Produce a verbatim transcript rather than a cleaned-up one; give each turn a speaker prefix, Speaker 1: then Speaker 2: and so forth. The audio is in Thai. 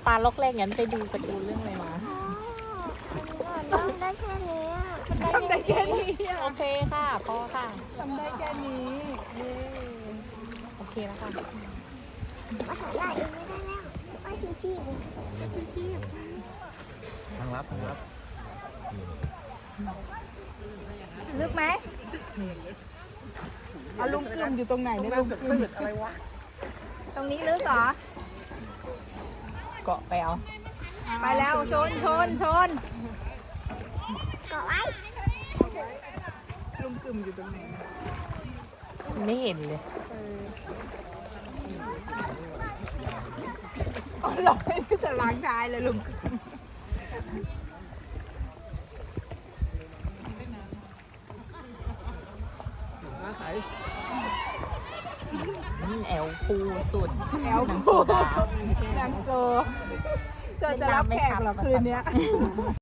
Speaker 1: ปลาล็อกแรกงั้นไปดูการ์ตูนเรื่องอะไรมา
Speaker 2: ทำได้แค่นี้
Speaker 3: ทำได้แค่นี้
Speaker 1: โอเคค่ะพอค่ะ
Speaker 3: ทำได้แค่นี้เย้
Speaker 1: โอเคแล้วค่ะ
Speaker 2: มาหาลายเองไม่ได้แล้วไม่ชิชีพ
Speaker 3: ชีพ
Speaker 4: ทางลับทางลับ
Speaker 3: ลึกไหมเอาลุงกลุ่มอยู่ตรงไหนเนี่ยลุงกลุ่มอะไรวะตรงนี้ลึกเหรอ
Speaker 1: เกาะไปเอา
Speaker 3: ไปแล้วชนชนชน
Speaker 2: เกาะไว้
Speaker 3: ลุงกลุ่มอยู่ตรงไหน
Speaker 1: ไม่เห็นเลย
Speaker 3: อ๋อเราไม่ได้จะล้างท้ายเลยลุงกลุ่ม
Speaker 1: อืมแอลพูสุด
Speaker 3: แอล
Speaker 1: หนัง
Speaker 3: โค
Speaker 1: โซดา
Speaker 3: นางโซเธอจะรับแขกเหรอคืนเนี้ย